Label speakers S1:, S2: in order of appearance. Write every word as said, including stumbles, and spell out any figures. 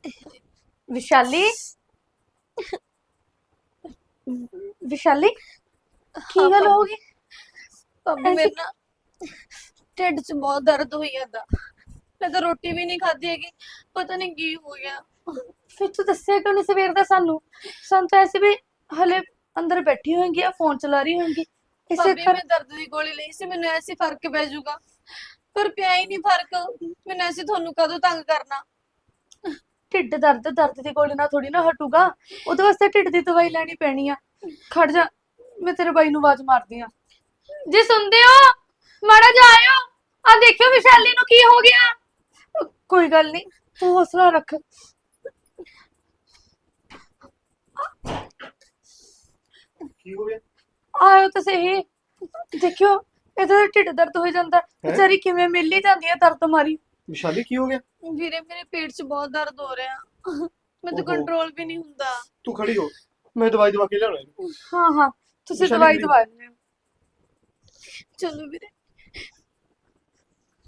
S1: विशाली विशाली की
S2: हाँ
S1: गल
S2: भाभी।
S1: होगी?
S2: भाभी
S1: ऐसे
S2: मेरे ना ढिड च बहुत दर्द हुई जाता। मैं तो रोटी भी नहीं खाती है कि पता नहीं की हो गया।
S1: फिर तू दस्या क्यों नहीं सवेर दा सानू? सन तो ऐसे भी हले अंदर बैठी होंगी या फोन चला रही होंगी। इसे
S2: भाभी
S1: कर
S2: मैं दर्द की गोली ली सी, मैंने ऐसे फर्क पै जाऊगा, पर पिया ही नहीं फर्क। मैंने ऐसे थानू कदों तंग करना।
S1: ढिड दर्द दर्द की गोली ना थोड़ी ना हटूगा। ਉਹਦੇ ਵਾਸਤੇ ਢਿੱਡ ਦੀ ਦਵਾਈ ਲੈਣੀ ਪੈਣੀ ਆ। ਖੜ ਜਾ, ਮੈਂ ਤੇਰੇ ਬਾਈ ਨੂੰ ਆਵਾਜ਼ ਮਾਰਦੀ ਆ। ਜੀ ਸੁਣਦੇ ਹੋ? ਮਾੜਾ ਜਾ ਆਇਓ। ਆ ਦੇਖਿਓ ਵਿਸ਼ਾਲੀ ਨੂੰ ਕੀ ਹੋ ਗਿਆ। ਕੋਈ ਗੱਲ ਨਹੀਂ, ਤੂੰ ਹੌਸਲਾ ਰੱਖ।
S3: ਕੀ ਹੋ ਗਿਆ
S1: ਆਇਓ ਤਾਂ ਸਹੀ। ਦੇਖਿਓ ਇਹਦਾ ਤਾਂ ਢਿੱਡ ਦਰਦ ਹੋ ਜਾਂਦਾ।
S3: ਹੈ?
S1: ਵਿਚਾਰੀ ਕਿਵੇਂ ਮਿਲ ਹੀ ਜਾਂਦੀ ਹੈ ਦਰਦ ਮਾਰੀ।
S3: ਵਿਸ਼ਾਲੀ ਕੀ ਹੋ ਗਿਆ?
S2: ਵੀਰੇ ਮੇਰੇ पेट च बहुत दर्द हो रहा है, मैं तो
S3: ओहो।
S2: कंट्रोल भी नहीं हुंदा।
S3: ਤੂੰ ਖੜੀ ਹੋ, ਮੈਂ ਦਵਾਈ ਦਵਾ ਕੇ ਲਿਆਉਣਾ ਇਹਨੂੰ।
S1: ਹਾਂ ਹਾਂ, ਤੁਸੀਂ
S3: ਵਿਸ਼ਾਲੀ
S1: ਦਵਾਈ
S3: ਕਿਹੜੀ?
S1: ਦਵਾ ਲਿਓ।
S2: चलो वीरे।